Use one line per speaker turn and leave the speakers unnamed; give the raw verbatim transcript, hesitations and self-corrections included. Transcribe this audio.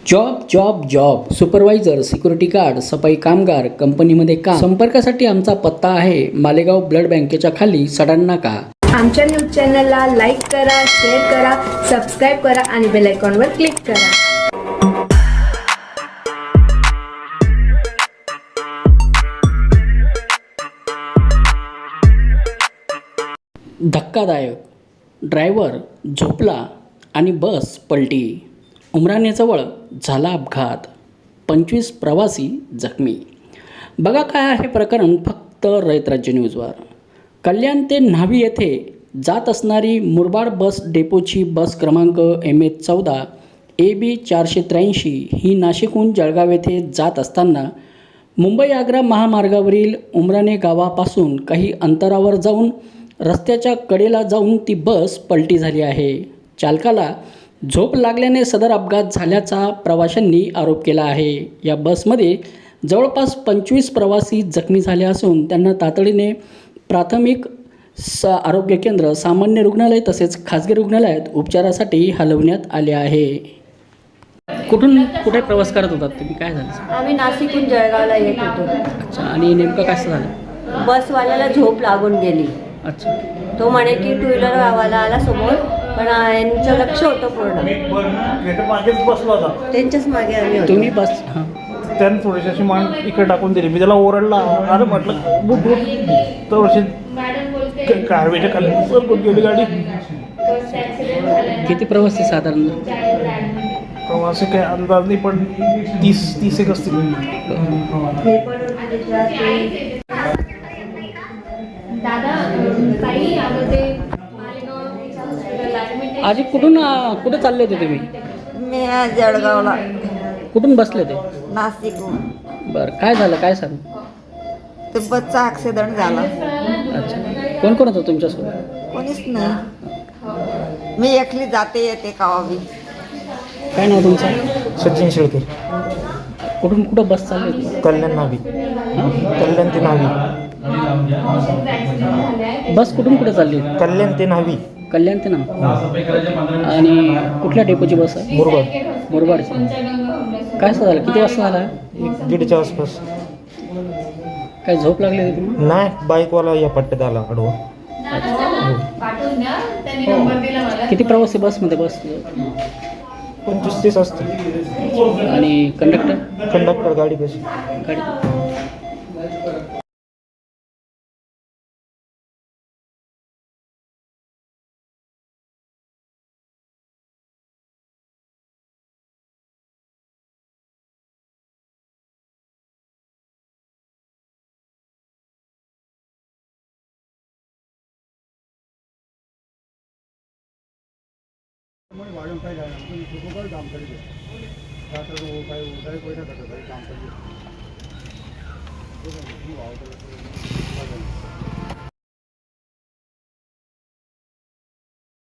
Job job job supervisor, security guard, सफाई कामगार, कंपनीमध्ये काम. संपर्कासाठी आमचा पत्ता आहे मालेगाव ब्लड बँकेच्या खाली सडाण नाका.
आमच्या न्यूज चॅनलला लाईक करा, शेअर करा, सबस्क्राईब करा आणि बेल आयकॉनवर क्लिक करा.
धक्कादायक, ड्रायव्हर झोपला आणि बस पलटी. उमराणेजवळ झाला अपघात, पंचवीस प्रवासी जखमी. बघा काय आहे प्रकरण फक्त रयत राज्य न्यूजवर. कल्याण ते न्हावी येथे जात असणारी मुरबाड बस डेपोची बस क्रमांक एम एच चौदा ए बी चारशे त्र्याऐंशी ही नाशिकहून जळगाव येथे जात असताना मुंबई आग्रा महामार्गावरील उमराणे गावापासून काही अंतरावर जाऊन रस्त्याच्या कडेला जाऊन ती बस पलटी झाली आहे. चालकाला झोप लागल्याने सदर अपघात झाल्याचा प्रवाशांनी आरोप केला आहे. या बसमध्ये जवळपास पंचवीस प्रवासी जखमी झाले असून त्यांना तातडीने प्राथमिक स आरोग्य केंद्र, सामान्य रुग्णालय तसेच खाजगी रुग्णालयात उपचारासाठी हलवण्यात आले आहे. कुठून कुठे प्रवास करत होतात तुम्ही? काय झालं?
आम्ही नाशिकहून जळगावला येत होतो.
अच्छा, आणि नेमकं काय झालं?
बसवाल्याला झोप लागून गेली.
अच्छा,
तो म्हणे की टू व्हीलर वाला आला समोर, पण यांचं लक्ष होतं पूर्ण,
मागेच बसला होता.
त्यांच्याच मागे आम्ही होतो.
तुम्ही बस हां
त्यानं थोडीशी अशी मान इकडे टाकून दिली. मी त्याला ओरडला, अरे म्हटलं बुट बुट तर अशी कारवेच्या खाली सरकून गेली गाडी.
किती प्रवासी साधारण?
प्रवासी काही अंदाज नाही, पण तीस तीस एक असतील.
हे पण होते त्याच्यात.
आजी कुठून कुठे चालले होते तुम्ही?
मी जळगावला,
कुठून बसले ते?
नाशिकहून.
बरं, काय झालं? काय सांग?
ते बसचा ॲक्सिडेंट झाला.
अच्छा, कोण कोण होतं तुमच्यासोबत?
कोणीच नाही, मी एकली जाते येते कावाबी.
काय नाव तुमचं?
सचिन शेळके.
कुठून कुठं बस चालली होती?
कल्याण नावी. कल्याण ते नावी.
बस कुठून कुठे चालली होती?
कल्याण ते नावी.
कल्याण ते ना. आणि कुठल्या डेपोची बस आहे?
मुरबाड.
मुरबाडची. काय झालं? किती वाजता झाला?
एक दीडच्या आसपास.
काय झोप लागली होती तुम्ही?
नाही, बाईकवाला या पट्ट्यात आला आडवा.
किती प्रवासी बसमध्ये बस?
पंचवीस तीस असतील.
आणि कंडक्टर?
कंडक्टर गाडी कशी
गाडी
वाढून काय झालं काम करीत रात्र काय काय पैसा करतात काम करीत